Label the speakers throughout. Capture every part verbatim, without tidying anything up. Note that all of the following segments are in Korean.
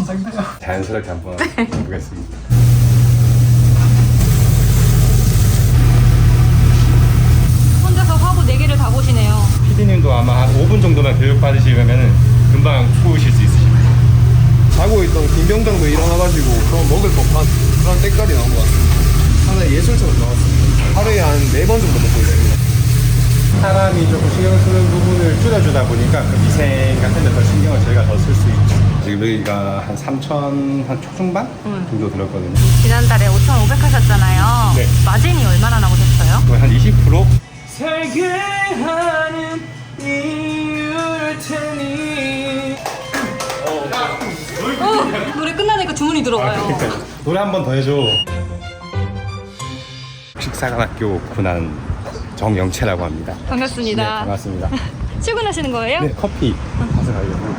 Speaker 1: 긴장돼요.
Speaker 2: 자연스럽게 한번
Speaker 3: 네.
Speaker 2: 해보겠습니다.
Speaker 3: 혼자서 화보 네 개를 다 보시네요.
Speaker 2: 피디님도 아마 한 오 분 정도만 교육 받으시면 금방 구우실 수 있으십니다.
Speaker 1: 자고 있던 김병장도 일어나가지고 그런 먹을 법한 그런 때깔이 나온 것 같습니다. 하나의 예술처럼 나왔습니다. 하루에 한 네 번 정도 먹고 있습니다.
Speaker 2: 사람이 조금 신경 쓰는 부분을 줄여주다 보니까 그 미생 같은 데 더 신경을 저희가 더 쓸 수 있죠. 지금 여기가 한 삼천 한 초중반
Speaker 3: 음.
Speaker 2: 정도 들었거든요.
Speaker 3: 지난달에 오천오백 하셨잖아요.
Speaker 2: 네.
Speaker 3: 마진이 얼마나 나오셨어요?
Speaker 2: 거의 한 이십 퍼센트?
Speaker 1: 살게 하는 이유를 테니.
Speaker 3: 어, 노래 끝나니까 주문이 들어와요.
Speaker 2: 그러니까 노래 한 번 더 해줘. 식사관학교 군한 정영채라고 합니다. 네,
Speaker 3: 반갑습니다.
Speaker 2: 반갑습니다.
Speaker 3: 출근하시는 거예요?
Speaker 2: 네, 커피 가서 가려고.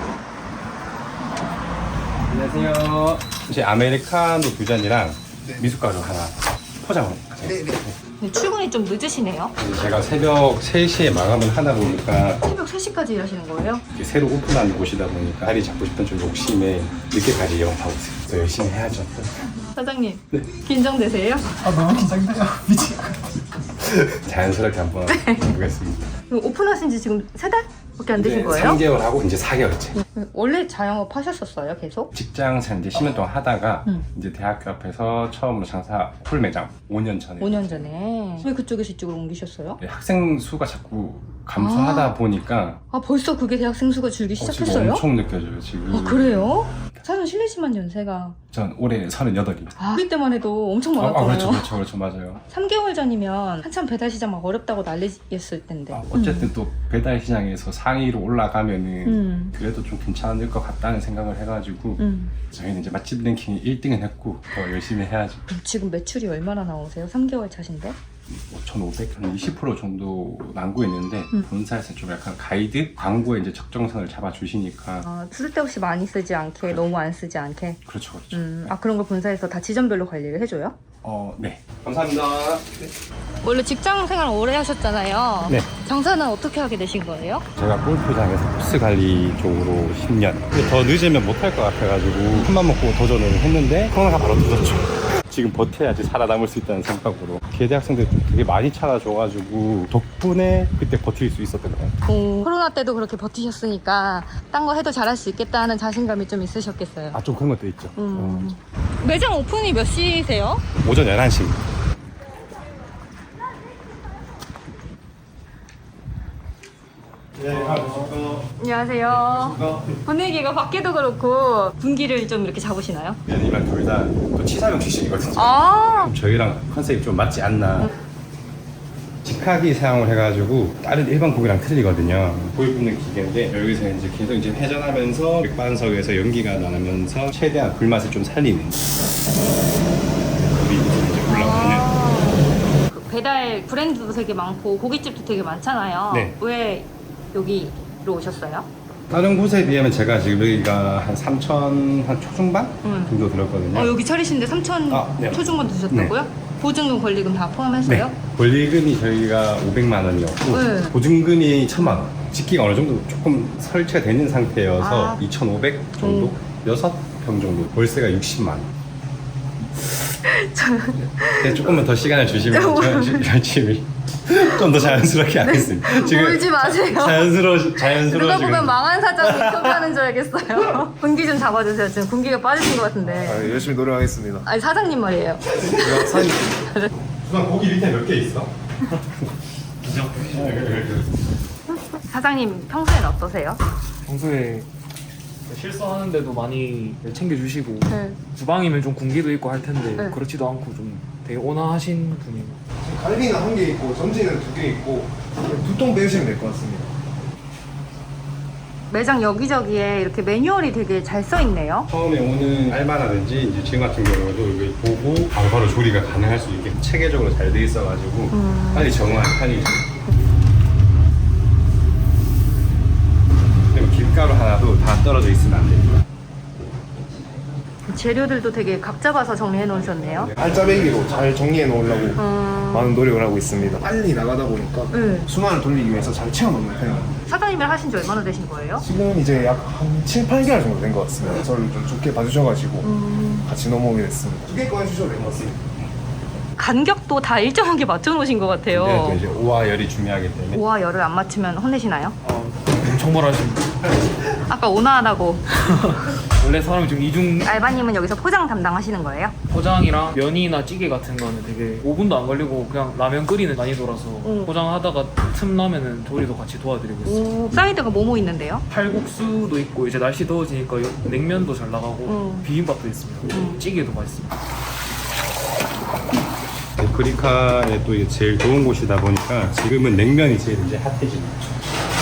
Speaker 2: 안녕하세요. 혹시 아메리카노 두 잔이랑
Speaker 1: 네.
Speaker 2: 미숫가루 하나 포장을.
Speaker 1: 네, 네.
Speaker 3: 네, 출근이 좀 늦으시네요.
Speaker 2: 제가 새벽 세 시에 마감을 하다 보니까
Speaker 3: 새벽 세 시까지 일하시는 거예요?
Speaker 2: 이렇게 새로 오픈한 곳이다 보니까 자리 잡고 싶은 좀 욕심에 늦게까지 영업하고 있어요. 그래서 열심히 해야죠.
Speaker 3: 사장님,
Speaker 2: 네.
Speaker 3: 긴장되세요?
Speaker 1: 아 너무 긴장돼요. 미치.
Speaker 2: 자연스럽게 한번 해보겠습니다.
Speaker 3: 이거 오픈하신 지 지금 세 달밖에 안 되신 거예요?
Speaker 2: 삼 개월 하고 이제 사 개월째.
Speaker 3: 원래 자영업 하셨었어요, 계속?
Speaker 2: 직장생 이제 십 년 동안 하다가
Speaker 3: 음.
Speaker 2: 이제 대학교 앞에서 처음으로 장사 풀 매장 오 년 전에
Speaker 3: 오 년 전에. 왜 그쪽에서 이쪽으로 옮기셨어요?
Speaker 2: 학생 수가 자꾸 감소하다
Speaker 3: 아.
Speaker 2: 보니까
Speaker 3: 아, 벌써 그게 대학생 수가 줄기
Speaker 2: 어, 지금
Speaker 3: 시작했어요?
Speaker 2: 엄청 느껴져요 지금.
Speaker 3: 아, 그래요? 사실 실례지만 연세가.
Speaker 2: 전 올해 서른여덟입니다.
Speaker 3: 아, 우리 때만 해도 엄청
Speaker 2: 아, 아
Speaker 3: 많았거든요.
Speaker 2: 그렇죠 그렇죠 그렇죠 맞아요.
Speaker 3: 삼 개월 전이면 한참 배달 시장 막 어렵다고 난리였을 텐데.
Speaker 2: 아, 어쨌든 또 배달 시장에서 상위로 올라가면은
Speaker 3: 음.
Speaker 2: 그래도 좀 괜찮을 것 같다는 생각을 해가지고
Speaker 3: 음.
Speaker 2: 저희는 이제 맛집 랭킹 일 등은 했고 더 열심히 해야죠.
Speaker 3: 지금 매출이 얼마나 나오세요? 삼 개월 차신데?
Speaker 2: 오천오백, 한 이십 퍼센트 정도 남고있는데
Speaker 3: 음.
Speaker 2: 본사에서 좀 약간 가이드? 광고에 이제 적정선을 잡아주시니까
Speaker 3: 아, 쓸데없이 많이 쓰지 않게, 너무 안 쓰지 않게.
Speaker 2: 그렇죠 그렇죠.
Speaker 3: 음, 아, 그런 걸 본사에서 다 지점별로 관리를 해줘요?
Speaker 2: 어, 네. 감사합니다.
Speaker 3: 원래 직장 생활 오래 하셨잖아요.
Speaker 2: 네.
Speaker 3: 장사는 어떻게 하게 되신 거예요?
Speaker 2: 제가 골프장에서 코스 관리 쪽으로 십 년. 근데 더 늦으면 못할 것 같아가지고 큰맘 먹고 도전을 했는데 코로나가 바로 터졌죠. 지금 버텨야지 살아남을 수 있다는 생각으로 개대 학생들 좀 되게 많이 찾아줘가지고 덕분에 그때 버틸 수 있었던 것 같아요.
Speaker 3: 오, 코로나 때도 그렇게 버티셨으니까 딴 거 해도 잘할 수 있겠다 하는 자신감이 좀 있으셨겠어요.
Speaker 2: 아, 좀 그런 것도 있죠.
Speaker 3: 음. 매장 오픈이 몇 시세요?
Speaker 2: 어, 오전 열한 시입니다. 네,
Speaker 3: 안녕하세요. 분위기가 밖에도 그렇고 분기를 좀 이렇게 잡으시나요?
Speaker 2: 면이랑 둘 다 또 치사용 출신이거든요.
Speaker 3: 아,
Speaker 2: 저희랑 컨셉이 좀 맞지 않나. 직화기 사용을 해가지고 다른 일반 고기랑 틀리거든요. 고기 굽는 기계인데 여기서 이제 계속 이제 회전하면서 맥반석에서 연기가 나면서 최대한 불맛을 좀 살리는 고기 이제 올라오는.
Speaker 3: 아. 그 배달 브랜드도 되게 많고 고깃집도 되게 많잖아요.
Speaker 2: 네.
Speaker 3: 왜 여기로 오셨어요?
Speaker 2: 다른 곳에 비하면 제가 지금 여기가 한 삼천 한 초중반
Speaker 3: 음.
Speaker 2: 정도 들었거든요.
Speaker 3: 어, 여기 차리신데 삼천
Speaker 2: 아, 네.
Speaker 3: 초중반 드셨다고요? 보증금 권리금 다 포함해서요?
Speaker 2: 네. 권리금이 저희가 오백만 원이었고
Speaker 3: 네.
Speaker 2: 보증금이 천만 원. 직기가 어느 정도 조금 설치가 되는 상태여서
Speaker 3: 아.
Speaker 2: 이천오백 정도? 여섯 평 정도. 월세가 육십만 원. 네, 조금만 더 시간을 주시면 저 열심히 좀 더 자연스럽게 하겠습니다. 지금
Speaker 3: 울지 마세요.
Speaker 2: 자연스러워 자연스러워
Speaker 3: 누가
Speaker 2: 지금.
Speaker 3: 보면 망한 사장님 인터뷰하는 줄 알겠어요. 분기 좀 잡아주세요. 지금 분기가 빠지신 것 같은데.
Speaker 1: 아, 열심히 노력하겠습니다.
Speaker 3: 아니 사장님 말이에요.
Speaker 1: 제가 사장님.
Speaker 2: 수상 고기 밑에 몇 개 있어?
Speaker 3: 사장님 평소에는 어떠세요?
Speaker 4: 평소에 실수하는데도 많이 챙겨주시고
Speaker 3: 네.
Speaker 4: 주방이면 좀 군기도 있고 할 텐데
Speaker 3: 네.
Speaker 4: 그렇지도 않고 좀 되게 온화하신 분이에요.
Speaker 1: 갈비는 한 개 있고 전지는 두 개 있고 두 통 빼주시면 될 것 같습니다.
Speaker 3: 매장 여기저기에 이렇게 매뉴얼이 되게 잘 써 있네요.
Speaker 2: 처음에 오는 알바라든지 이제 지금 같은 경우도 이걸 보고 바로바로 조리가 가능할 수 있게 체계적으로 잘 돼 있어가지고
Speaker 3: 음.
Speaker 2: 빨리 적응하는 편이죠. 그리고 김가루 하나도 다 떨어져 있으면 안 됩니다.
Speaker 3: 재료들도 되게 각 잡아서 정리해 놓으셨네요.
Speaker 1: 알짜배기로 잘 정리해 놓으려고
Speaker 3: 음...
Speaker 1: 많은 노력을 하고 있습니다. 빨리 나가다 보니까
Speaker 3: 네.
Speaker 1: 수만을 돌리기 위해서 잘 채워 놓는 편입니다.
Speaker 3: 사장님을 하신 지 얼마나 되신 거예요?
Speaker 1: 지금 이제 약 한 칠, 팔 개월 정도 된 것 같습니다. 저를 좀 좋게 봐주셔가지고
Speaker 3: 음...
Speaker 1: 같이 넘어오게 됐습니다. 두 개 꺼내주셔도 될 것 같습니다.
Speaker 3: 간격도 다 일정하게 맞춰 놓으신 것 같아요.
Speaker 2: 근데 또 이제 오와 열이 중요하기 때문에
Speaker 3: 오와 열을 안 맞추면 혼내시나요?
Speaker 4: 아, 엄청 말하십니다.
Speaker 3: 아까 온화하다고.
Speaker 4: 원래 사람이 좀 이중
Speaker 3: 알바님은 여기서 포장 담당하시는 거예요?
Speaker 4: 포장이랑 면이나 찌개 같은 거는 되게 오 분도 안 걸리고 그냥 라면 끓이는 난이도라서
Speaker 3: 응.
Speaker 4: 포장하다가 틈나면은 조리도 같이 도와드리고 있어요.
Speaker 3: 오, 사이드가 뭐뭐 있는데요?
Speaker 4: 칼국수도 있고 이제 날씨 더워지니까 냉면도 잘 나가고
Speaker 3: 응.
Speaker 4: 비빔밥도 있습니다.
Speaker 3: 응.
Speaker 4: 찌개도 맛있습니다.
Speaker 2: 브리카에 또 이게 제일 좋은 곳이다 보니까 지금은 냉면이 제일 이제 핫해집니다.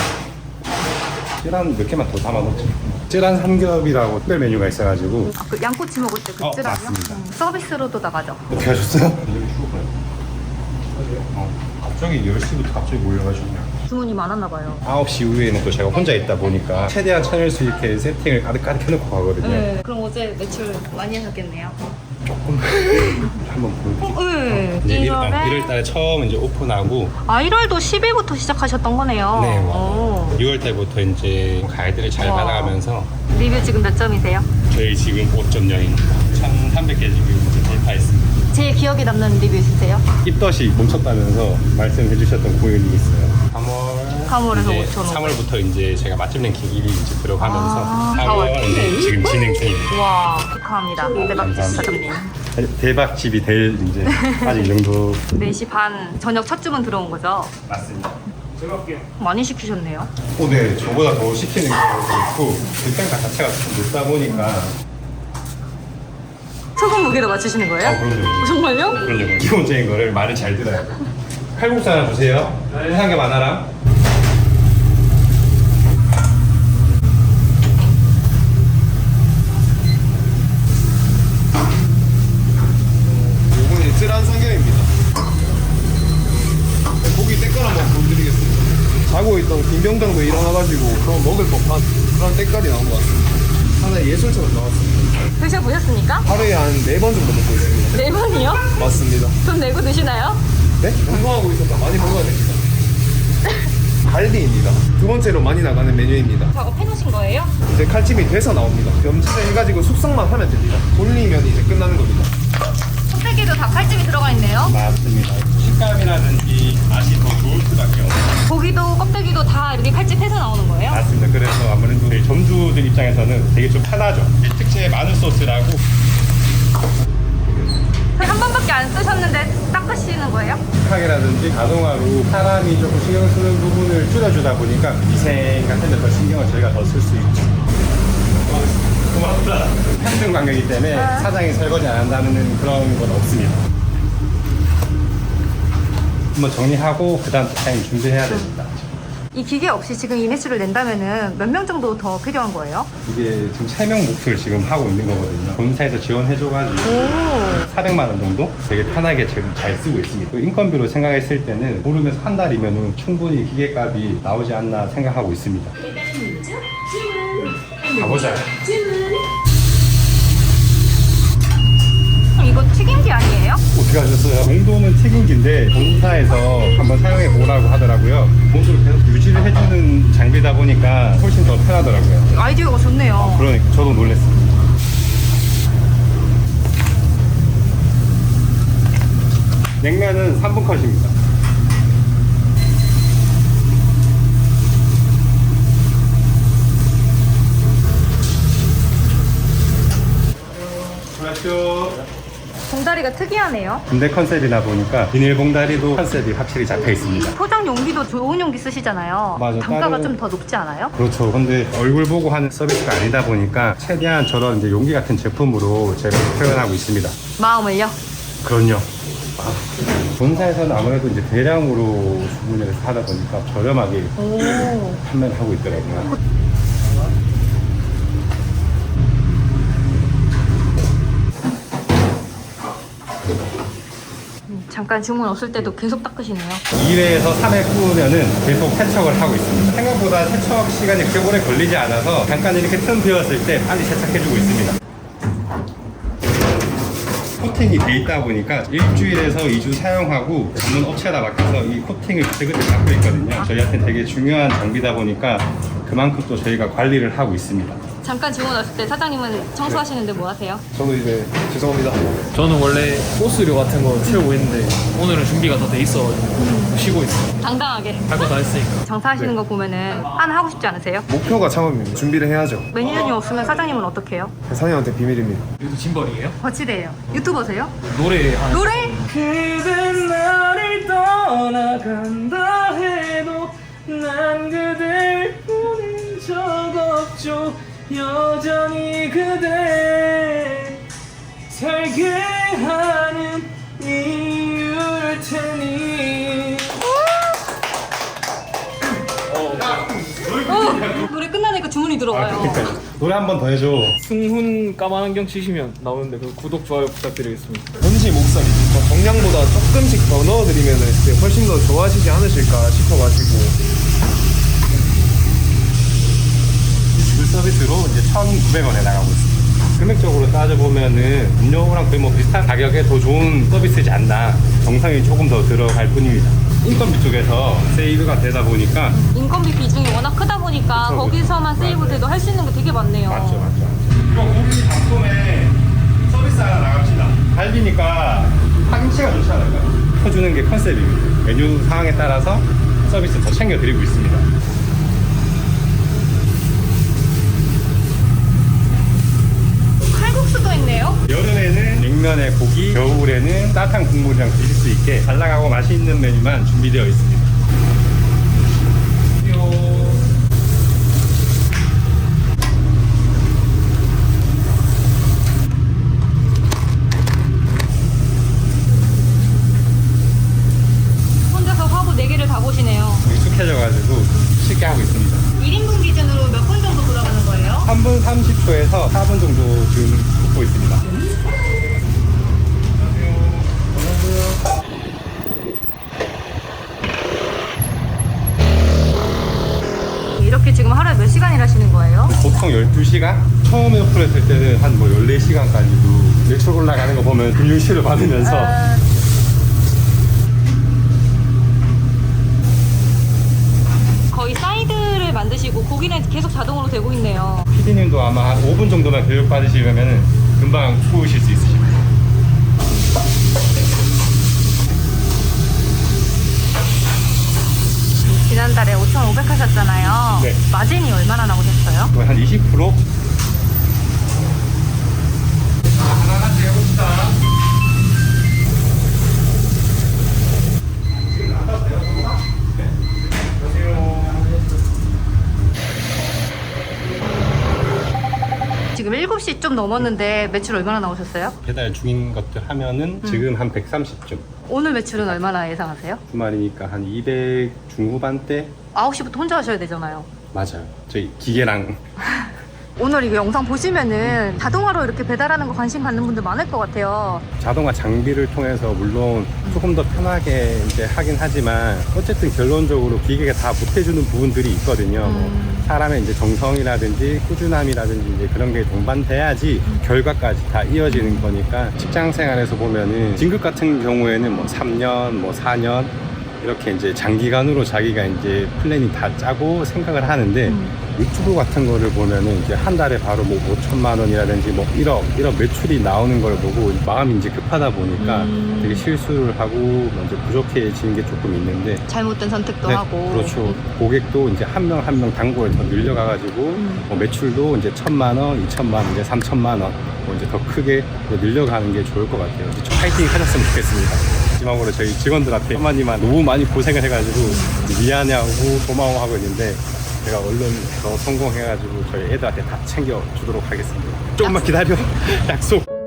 Speaker 2: 쯔란 몇 개만 더 담아놓죠. 쯔란 삼겹이라고 특별 메뉴가 있어가지고.
Speaker 3: 아, 그 양꼬치 먹을 때
Speaker 2: 어,
Speaker 3: 그쯤이요?
Speaker 2: 맞습니다.
Speaker 3: 서비스로도 나가죠.
Speaker 2: 어떻게 하셨어요? 어, 갑자기 열 시부터 갑자기 몰려가지고
Speaker 3: 주문이 많았나 봐요.
Speaker 2: 아홉 시 이후에는 또 제가 혼자 있다 보니까 최대한 찾을 수 있게 세팅을 가득가득 해놓고 가거든요.
Speaker 3: 네. 그럼 어제 매출 많이 하셨겠네요.
Speaker 2: 조금 한번 보여드릴게요.
Speaker 3: 어, 네.
Speaker 2: 이제 일-
Speaker 3: 일월에
Speaker 2: 어, 일월 달에 처음 이제 오픈하고
Speaker 3: 아, 일월도 십 일부터 시작하셨던 거네요.
Speaker 2: 네,
Speaker 3: 오.
Speaker 2: 유월 달부터 이제 가이드를 잘
Speaker 3: 와.
Speaker 2: 받아가면서
Speaker 3: 리뷰 지금 몇 점이세요?
Speaker 2: 저희 지금 오 점 영입니다. 천삼백 개 지금 이제 돌파했습니다.
Speaker 3: 제일 기억에 남는 리뷰 있으세요?
Speaker 2: 입덧이 멈췄다면서 말씀해 주셨던 고객님이 있어요. 삼월
Speaker 3: 삼월에서
Speaker 2: 이제
Speaker 3: 오천오백.
Speaker 2: 삼월부터 이제 제가 맛집 랭킹 일 위 이제 들어가면서
Speaker 3: 아,
Speaker 2: 사월
Speaker 3: 사월.
Speaker 2: 이제 지금 진행 중입니다.
Speaker 3: 와, 축하합니다. 대박
Speaker 2: 감사합니다.
Speaker 3: 사장님.
Speaker 2: 대박집이 될 이제 아직 이 정도
Speaker 3: 네 시 반 저녁 첫 주문 들어온 거죠?
Speaker 2: 맞습니다.
Speaker 4: 제가 할게요.
Speaker 3: 많이 시키셨네요.
Speaker 2: 오, 네, 저보다 더 시키는 경우도 있고 그 평가 자체가 좀 높다 보니까
Speaker 3: 소금 무게도 맞추시는 거예요?
Speaker 2: 아, 그럼요.
Speaker 3: 어, 정말요?
Speaker 2: 그럼요. 기본적인 거를 말을 잘 들어야 돼. 칼국수 하나 주세요. 해삼겹 하나랑.
Speaker 1: 요거는 쯔란 삼겹입니다. 고기 때깔 한번 보여드리겠습니다. 자고 있던 김병장도 일어나가지고 그런 먹을 법한 그런 때깔이 나온 것 같습니다. 하나의 예술처럼 나왔습니다.
Speaker 3: 드셔보셨습니까?
Speaker 1: 하루에 한 네 번 정도 먹고 있습니다.
Speaker 3: 네 번이요?
Speaker 1: 맞습니다.
Speaker 3: 돈 내고 드시나요?
Speaker 1: 네? 운동하고 있어서 많이 먹어야 됩니다. 갈비입니다. 두 번째로 많이 나가는 메뉴입니다.
Speaker 3: 작업해 놓으신 거예요?
Speaker 1: 이제 칼집이 돼서 나옵니다. 염치를 해가지고 숙성만 하면 됩니다. 돌리면 이제 끝나는 겁니다.
Speaker 3: 껍데기도 다 칼집이 들어가 있네요.
Speaker 2: 맞습니다. 식감이라든지 맛이 더 좋을 수밖에 없어요.
Speaker 3: 고기도 껍데기도 다 이렇게 칼집해서 나오는 거예요?
Speaker 2: 맞습니다. 그래서 아무래도 저희 점주들 입장에서는 되게 좀 편하죠. 특제 마늘 소스라고
Speaker 3: 한 번밖에 안 쓰셨는데 닦으시는 거예요?
Speaker 2: 식탁이라든지 자동화로 사람이 조금 신경 쓰는 부분을 줄여주다 보니까 위생 같은 데 더 신경을 저희가 더 쓸 수 있죠. 고맙다. 평등 관계이기 때문에 사장이 설거지 안 한다는 그런 건 없습니다. 한번 정리하고 그 다음 타임 준비해야 됩니다.
Speaker 3: 이 기계 없이 지금 이 매출을 낸다면은 몇 명 정도 더 필요한 거예요?
Speaker 2: 이게 지금 세 명 목표를 지금 하고 있는 거거든요. 본사에서 지원해줘가지고
Speaker 3: 오.
Speaker 2: 사백만 원 정도 되게 편하게 지금 잘 쓰고 있습니다. 인건비로 생각했을 때는 모르면서 한 달이면 충분히 기계값이 나오지 않나 생각하고 있습니다. 가보자.
Speaker 3: 이거 튀김기 아니에요?
Speaker 2: 어떻게 하셨어요? 정도는 튀김기인데 본사에서 한번 사용해 보라고 하더라고요. 몸으로 계속 유지를 해주는 장비다 보니까 훨씬 더 편하더라고요.
Speaker 3: 아이디어가 좋네요.
Speaker 2: 그러니까 저도 놀랐습니다. 냉면은 삼 분 컷입니다. 수고하십시오.
Speaker 3: 봉다리가 특이하네요.
Speaker 2: 군대 컨셉이다 보니까 비닐봉다리도 컨셉이 확실히 잡혀 있습니다.
Speaker 3: 포장 용기도 좋은 용기 쓰시잖아요.
Speaker 2: 맞아,
Speaker 3: 단가가
Speaker 2: 다른-
Speaker 3: 좀 더 높지 않아요?
Speaker 2: 그렇죠. 근데 얼굴 보고 하는 서비스가 아니다 보니까 최대한 저런 이제 용기 같은 제품으로 제가 표현하고 있습니다.
Speaker 3: 마음을요?
Speaker 2: 그럼요. 본사에서는 아무래도 이제 대량으로 주문을 해서 하다 보니까 저렴하게
Speaker 3: 오.
Speaker 2: 판매를 하고 있더라고요.
Speaker 3: 음, 잠깐 주문 없을 때도 계속 닦으시네요.
Speaker 2: 이 회에서 삼 회 구우면은 계속 세척을 하고 있습니다. 생각보다 세척 시간이 그렇게 오래 걸리지 않아서 잠깐 이렇게 틈 비었을 때 빨리 세척해주고 있습니다. 코팅이 돼 있다 보니까 일주일에서 이 주 사용하고 전문 업체에다 맡겨서 이 코팅을 그때그때 받고 있거든요. 저희한테 되게 중요한 장비다 보니까 그만큼 또 저희가 관리를 하고 있습니다.
Speaker 3: 잠깐 질문 왔을 때 사장님은 청소하시는데 뭐 하세요?
Speaker 1: 저도 이제 죄송합니다.
Speaker 4: 저는 원래 코스료 같은 거 채우고 있는데 오늘은 준비가 다 돼 있어가지고 쉬고 있어요.
Speaker 3: 당당하게
Speaker 4: 할 거 다 했으니까.
Speaker 3: 장사하시는 거 보면은 하나 하고 싶지 않으세요?
Speaker 1: 목표가 창업입니다. 준비를 해야죠.
Speaker 3: 매니저님 없으면 사장님은 어떻게 해요?
Speaker 1: 사장님한테 비밀입니다.
Speaker 4: 여기도 짐벌이에요?
Speaker 3: 거치대예요. 유튜버세요?
Speaker 4: 노래 하는
Speaker 3: 노래?
Speaker 4: 그댄 나를 떠나간다 해도 난 그댈 보낸 적 없죠. 여전히 그대 살게 하는 이유일 테니.
Speaker 3: 어, 노래 끝나니까 주문이 들어와요.
Speaker 2: 노래 한 번 더 해줘.
Speaker 4: 승훈 까만 안경 치시면 나오는데 그 구독 좋아요 부탁드리겠습니다.
Speaker 1: 현지 목소리 더 정량보다 조금씩 더 넣어드리면 훨씬 더 좋아하시지 않으실까 싶어가지고.
Speaker 2: 물 서비스로 이제 천구백 원에 나가고 있습니다. 금액적으로 따져보면은 음료랑 거의 뭐 비슷한 가격에 더 좋은 서비스지 않나. 정상이 조금 더 들어갈 뿐입니다. 인건비 쪽에서 세이브가 되다 보니까
Speaker 3: 인건비 비중이 워낙 크다 보니까
Speaker 2: 그쵸,
Speaker 3: 거기서만
Speaker 2: 그쵸.
Speaker 3: 세이브 돼도 할 수 있는 게 되게 많네요.
Speaker 2: 맞죠, 맞죠. 이거 고기 단품에 서비스 하나 나갑시다. 갈비니까 파김치가 좋지 않을까요? 퍼주는 게 컨셉입니다. 메뉴 상황에 따라서 서비스 더 챙겨드리고 있습니다.
Speaker 3: 칼국수도 있네요.
Speaker 2: 여름에는 냉면에 고기, 겨울에는 따뜻한 국물이랑 드실 수 있게 잘 나가고 맛있는 메뉴만 준비되어 있습니다.
Speaker 3: 혼자서 화보 네 개를 다 보시네요.
Speaker 2: 익숙해져가지고 쉽게 하고 있습니다.
Speaker 3: 일 인분 기준으로 몇 분 정도 돌아가는 거예요?
Speaker 2: 삼 분 삼십 초에서 사 분 정도 지금 굽고 있습니다.
Speaker 3: 이렇게 지금 하루에 몇 시간 일하시는 거예요?
Speaker 2: 보통 열두 시간? 처음에 오픈했을 때는 한 뭐 열네 시간까지도 매출 올라가는 거 보면 금융실을 받으면서
Speaker 3: 아, 거의 사이드를 만드시고 고기는 계속 자동으로 되고 있네요.
Speaker 2: 피디님도 아마 한 오 분 정도만 교육 받으시면 금방 구우실 수 있으십니다.
Speaker 3: 지난달에 오천오백 하셨잖아요.
Speaker 2: 네.
Speaker 3: 마진이 얼마나 나오셨어요?
Speaker 2: 거의 한 이십 퍼센트? 하나하나씩 해봅시다.
Speaker 3: 지금 일곱 시 좀 넘었는데 매출 얼마나 나오셨어요?
Speaker 2: 배달 중인 것들 하면은 지금 한 백삼십쯤.
Speaker 3: 오늘 매출은 얼마나 예상하세요?
Speaker 2: 주말이니까 한 이백 중후반대?
Speaker 3: 아홉 시부터 혼자 하셔야 되잖아요.
Speaker 2: 맞아요. 저희 기계랑
Speaker 3: 오늘 이거 영상 보시면은 자동화로 이렇게 배달하는 거 관심 갖는 분들 많을 것 같아요.
Speaker 2: 자동화 장비를 통해서 물론 조금 더 편하게 이제 하긴 하지만 어쨌든 결론적으로 기계가 다 못해주는 부분들이 있거든요.
Speaker 3: 음.
Speaker 2: 뭐 사람의 이제 정성이라든지 꾸준함이라든지 이제 그런 게 동반돼야지 결과까지 다 이어지는 거니까 직장 생활에서 보면은 진급 같은 경우에는 뭐 삼 년, 뭐 사 년 이렇게 이제 장기간으로 자기가 이제 플랜이 다 짜고 생각을 하는데
Speaker 3: 음.
Speaker 2: 유튜브 같은 거를 보면은 이제 한 달에 바로 뭐 오천만 원이라든지 뭐 일억, 일억 매출이 나오는 걸 보고 마음이 이제 급하다 보니까
Speaker 3: 음.
Speaker 2: 되게 실수를 하고 먼저 부족해지는 게 조금 있는데
Speaker 3: 잘못된 선택도
Speaker 2: 네,
Speaker 3: 하고.
Speaker 2: 그렇죠. 고객도 이제 한 명 한 명 단골 더 늘려가가지고
Speaker 3: 음.
Speaker 2: 뭐 매출도 이제 천만 원, 이천만 원, 이제 삼천만 원, 뭐 이제 더 크게 늘려가는 게 좋을 것 같아요. 이제 좀 파이팅 하셨으면 좋겠습니다. 마지막으로 저희 직원들한테 한마디만 너무 많이 고생을 해가지고 미안해하고 고마워하고 있는데 제가 얼른 더 성공해가지고 저희 애들한테 다 챙겨주도록 하겠습니다. 조금만 기다려. 약속.